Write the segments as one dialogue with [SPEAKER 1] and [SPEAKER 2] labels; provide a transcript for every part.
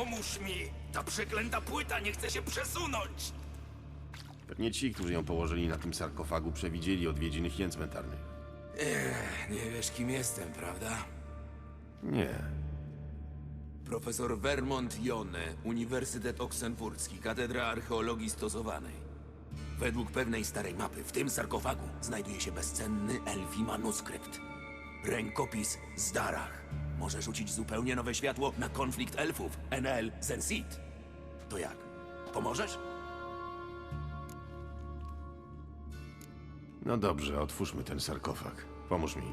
[SPEAKER 1] Pomóż mi! Ta przeklęta płyta nie chce się przesunąć!
[SPEAKER 2] Pewnie ci, którzy ją położyli na tym sarkofagu, przewidzieli odwiedziny hien cmentarnych.
[SPEAKER 1] Nie wiesz, kim jestem, prawda?
[SPEAKER 2] Nie.
[SPEAKER 1] Profesor Vermont Jone, Uniwersytet Oksenfurcki, Katedra Archeologii Stosowanej. Według pewnej starej mapy w tym sarkofagu znajduje się bezcenny elfi manuskrypt. Rękopis Zdarach. Może rzucić zupełnie nowe światło na konflikt elfów Enel Zensit. To jak? Pomożesz?
[SPEAKER 2] No dobrze, otwórzmy ten sarkofag. Pomóż mi.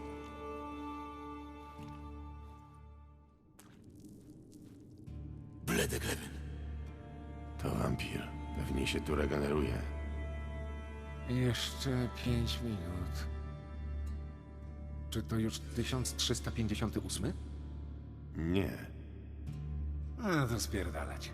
[SPEAKER 1] Bledeglebyn.
[SPEAKER 2] To wampir. Pewnie się tu regeneruje.
[SPEAKER 3] Jeszcze 5 minut. Czy to już 1358?
[SPEAKER 2] Nie.
[SPEAKER 3] A, to spierdalać.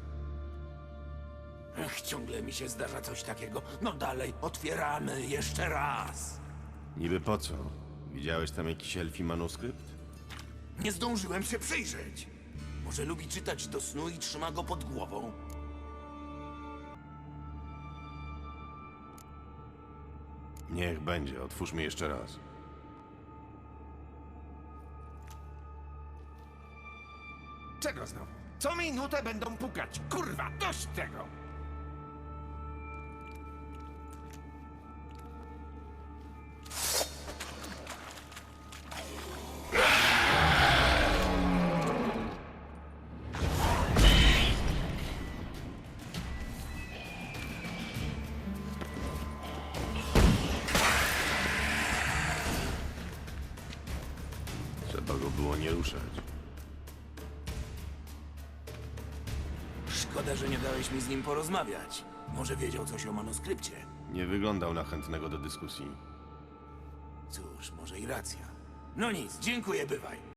[SPEAKER 1] Ach, ciągle mi się zdarza coś takiego. No dalej, otwieramy jeszcze raz.
[SPEAKER 2] Niby po co? Widziałeś tam jakiś elfi manuskrypt?
[SPEAKER 1] Nie zdążyłem się przyjrzeć. Może lubi czytać do snu i trzyma go pod głową?
[SPEAKER 2] Niech będzie, otwórzmy jeszcze raz.
[SPEAKER 3] Czego znowu? Co minutę będą pukać. Kurwa, dość tego!
[SPEAKER 2] Trzeba go było nie ruszać.
[SPEAKER 1] Szkoda, że nie dałeś mi z nim porozmawiać. Może wiedział coś o manuskrypcie.
[SPEAKER 2] Nie wyglądał na chętnego do dyskusji.
[SPEAKER 1] Cóż, może i racja. No nic, dziękuję, bywaj.